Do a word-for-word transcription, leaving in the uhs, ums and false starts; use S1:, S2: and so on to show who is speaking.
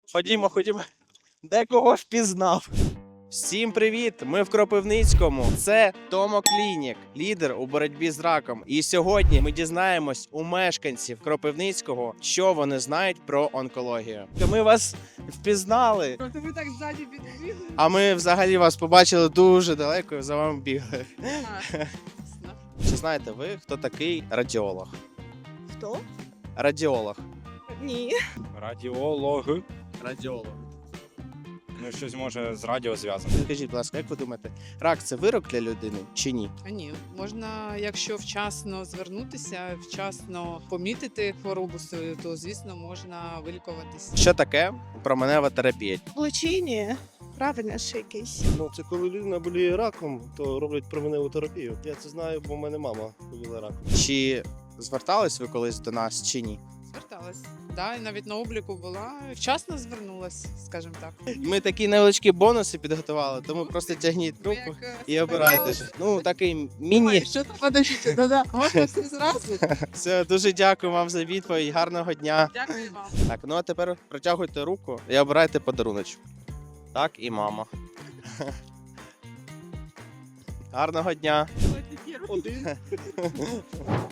S1: Ходімо, ходімо. Декого впізнав. Всім привіт! Ми в Кропивницькому. Це Томо Клінік, лідер у боротьбі з раком. І сьогодні ми дізнаємось у мешканців Кропивницького, що вони знають про онкологію. Ми вас впізнали,
S2: Просто ви так ззаді підбігли.
S1: а ми взагалі вас побачили дуже далеко і за вами бігли.
S2: А, ясно.
S1: Чи знаєте ви, хто такий радіолог?
S2: Хто?
S1: Радіолог.
S2: Ні.
S3: Радіолог.
S1: Радіолог.
S3: Ну, щось може з радіо зв'язано.
S1: Скажіть, будь ласка, як ви думаєте, рак це вирок для людини чи ні?
S2: А ні, можна, якщо вчасно звернутися, вчасно помітити хворобу свою, то звісно можна вилікуватися.
S1: Що таке променева терапія?
S4: Лечення. Правильно ж якийсь.
S5: Ну, це коли людина боліє раком, то роблять променеву терапію. Я це знаю, бо в мене мама боліла раком.
S1: Чи звертались ви колись до нас чи ні?
S2: Зверталась. Да, і навіть на обліку була. Вчасно звернулась, скажімо так.
S1: Ми такі невеличкі бонуси підготували, тому просто тягніть
S2: Ви
S1: трубку
S2: як, е,
S1: і обирайте.
S2: спитали,
S1: Ну, такий міні.
S2: Ой, що там подождіть, да-да, можна все зразу?
S1: Все, дуже дякую вам за відповідь. Гарного дня.
S2: Дякую вам.
S1: Так, ну а тепер протягуйте руку і обирайте подаруночок. Так, і мама. Гарного дня.
S5: Один.